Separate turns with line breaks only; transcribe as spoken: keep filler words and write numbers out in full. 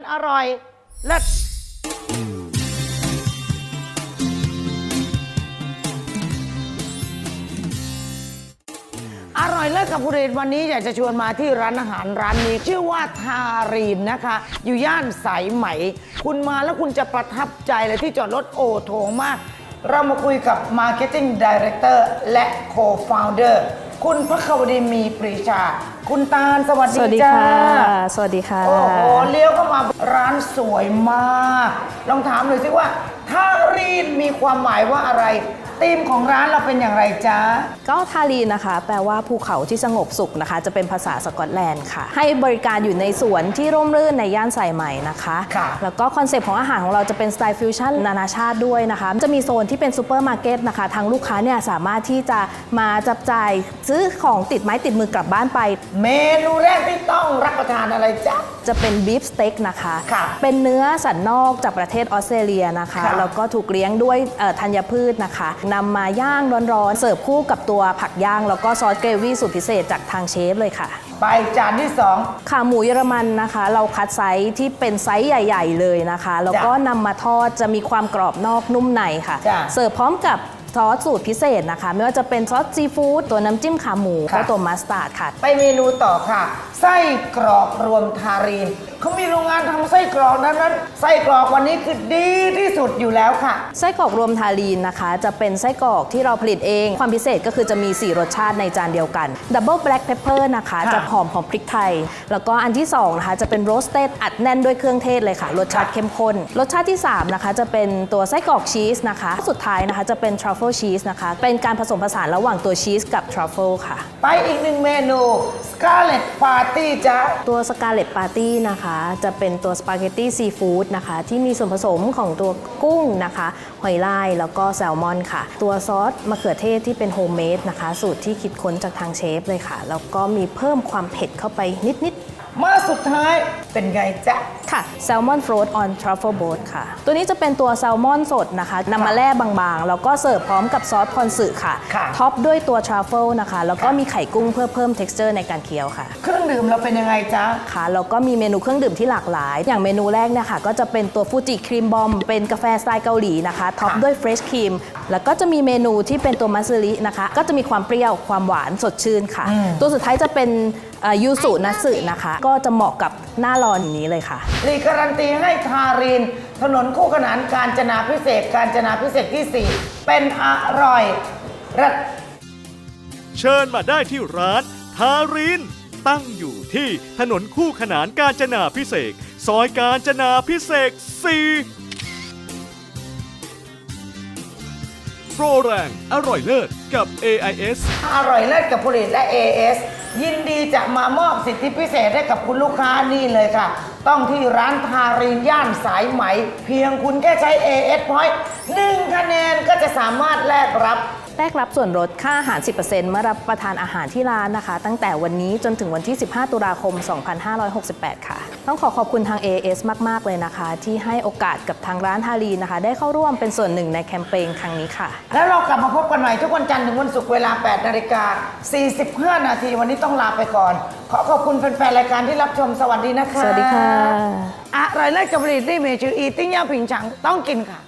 อร่อยเลิศอร่อยเลิศกับผู้เรียนวันนี้อยากจะชวนมาที่ร้านอาหารร้านนี้ชื่อว่าทารีนนะคะ อยู่ย่านสายไหมคุณมาแล้วคุณจะประทับใจเลยที่จอดรถโอโถงมาก เรามาคุยกับ Marketing Director และ Co-founder คุณพควดีมีปรีชาคุณตาลสวัสดี
สวัสดี
จ้า
ค่ะสวัสดีค่ะ
โอ้โหเลี้ยวเข้ามาร้านสวยมากลองถามหน่อยสิว่าทารีนมีความหมายว่าอะไรธีมของร้านเราเป็นอย่างไรจ๊ะ
ก็ทารีนนะคะแปลว่าภูเขาที่สงบสุขนะคะจะเป็นภาษาสกอตแลนด์ค่ะให้บริการอยู่ในสวนที่ร่มรื่นในย่านสายไหมนะคะ
ค่ะ
แล้วก็คอนเซปต์ของอาหารของเราจะเป็นสไตล์ฟิวชั่นนานาชาติด้วยนะคะจะมีโซนที่เป็นซูเปอร์มาร์เก็ตนะคะทางลูกค้าเนี่ยสามารถที่จะมาจับจ่ายซื้อของติดไม้ติดมือกลับบ้านไป
เมนูแรกที่ต้องรับประทานอะไรจ๊ะ
จะเป็นบีฟสเต็กนะคะ
ค่ะ
เป็นเนื้อสันนอกจากประเทศออสเตรเลียนะคะ
ค่ะ
แล้วก็ถูกเลี้ยงด้วยธัญพืชนะคะนำมาย่างร้อนๆเสิร์ฟคู่กับตัวผักย่างแล้วก็ซอสเกรวี่สูตรพิเศษจากทางเชฟเลยค่ะ
ไปจานที่สอง
ขาหมูเยอรมันนะคะเราคัดไซส์ที่เป็นไซส์ใหญ่ๆเลยนะคะแล้วก็นำมาทอดจะมีความกรอบนอกนุ่มในค่ะเสิร์ฟพร้อมกับซอสสูตรพิเศษนะคะไม่ว่าจะเป็นซอสซีฟู้ดตัวน้ำจิ้มขาหมูและตัวมัสตาร์ดค่ะ
ไปเมนูต่อค่ะไส้กรอกรวมทารีนเขามีโรงงานทำไส้กรอกนั้นนั้นไส้กรอกวันนี้คือดีที่สุดอยู่แล้วค่ะ
ไส้กรอกรวมทารีนนะคะจะเป็นไส้กรอกที่เราผลิตเองความพิเศษก็คือจะมีสี่รสชาติในจานเดียวกันดับเบิลแบล็กเพปเปอร์นะคะจะหอมของพริกไทยแล้วก็อันที่สองนะคะจะเป็นโรสเต็ดอัดแน่นด้วยเครื่องเทศเลยค่ะรสชาติเข้มข้นรสชาติที่สามนะคะจะเป็นตัวไส้กรอกชีสนะคะสุดท้ายนะคะจะเป็นทรัฟเฟิลชีสนะคะเป็นการผสมผสานระหว่างตัวชีสกับทรัฟเฟิลค่ะ
ไปอีกหนึ่งเมนูสกาเลตปาร์ตี้จ้ะ
ตัวสกาเลตปาร์ตี้นะคะจะเป็นตัวสปาเกตตี้ซีฟู้ดนะคะที่มีส่วนผสมของตัวกุ้งนะคะหอยลายแล้วก็แซลมอนค่ะตัวซอสมะเขือเทศที่เป็นโฮมเมดนะคะสูตรที่คิดค้นจากทางเชฟเลยค่ะแล้วก็มีเพิ่มความเผ็ดเข้าไปนิดๆ
มาสุดท้ายเป็นไงจ๊ะ
ค่ะแซลมอนฟรอตออนทรัฟเฟิลโบ๊ทค่ะตัวนี้จะเป็นตัวแซลมอนสดนะคะนำมาแล่บางๆแล้วก็เสิร์ฟพร้อมกับซอสพอนสึค่ะท็อปด้วยตัวทรัฟเฟิลนะคะแล้วก็มีไข่กุ้งเพื่อเพิ่ม texture ในการเคี้ยวค่ะ
เครื่องดื่มเราเป็นยังไงจ๊ะ
ค่ะแล้วก็มีเมนูเครื่องดื่มที่หลากหลายอย่างเมนูแรกเนี่ยค่ะก็จะเป็นตัวฟูจิครีมบอมเป็นกาแฟสไตล์เกาหลีนะคะท็อปด้วยเฟรชครีมแล้วก็จะมีเมนูที่เป็นตัวมัสซินะคะก็จะมีความเปรี้ยวความหวานสดชื่นค่ะตัวสุดท้ายจะเป็นยูสุนัสึนะคะก็จะเหมาะกับหน้าร้อนอย่างนี้เลยค่ะ
รีการันตีให้ทารีนถนนคู่ขนานกาญจนาพิเศษกาญจนาพิเศษที่สี่เป็นอร่อยรัด
เชิญมาได้ที่ร้านทารีนตั้งอยู่ที่ถนนคู่ขนานกาญจนาพิเศษซอยกาญจนาพิเศษสี่โปรแรงอร่อยเลิศกับ เอ ไอ เอส
อร่อยเลิศกับผลิตและ เอ เอส ยินดีจะมามอบสิทธิพิเศษให้กับคุณลูกค้านี่เลยค่ะต้องที่ร้านทารีนย่านสายไหมเพียงคุณแค่ใช้ เอ เอส Point หนึ่งคะแนนก็จะสามารถแลกรับ
แลกรับส่วนลดค่าอาหาร สิบเปอร์เซ็นต์ เมื่อรับประทานอาหารที่ร้านนะคะตั้งแต่วันนี้จนถึงวันที่ สิบห้าตุลาคม สองพันห้าร้อยหกสิบแปด ค่ะต้องขอขอบคุณทาง เอ เอส มากๆเลยนะคะที่ให้โอกาสกับทางร้านทารีนนะคะได้เข้าร่วมเป็นส่วนหนึ่งในแคมเปญครั้งนี้ค่ะ
แล้วเรากลับมาพบกันใหม่ทุกวันจันทร์ถึงวันศุกร์เวลา แปดนาฬิกาสี่สิบห้า นาทีวันนี้ต้องลาไปก่อนขอขอบคุณแฟนๆรายการที่รับชมสวัสดีนะคะ
สวัสดีค่ะ
อร่อยเลิศกับผลิตที่เมชื่ออีติ้งย่าผิงฉังต้องกินค่ะ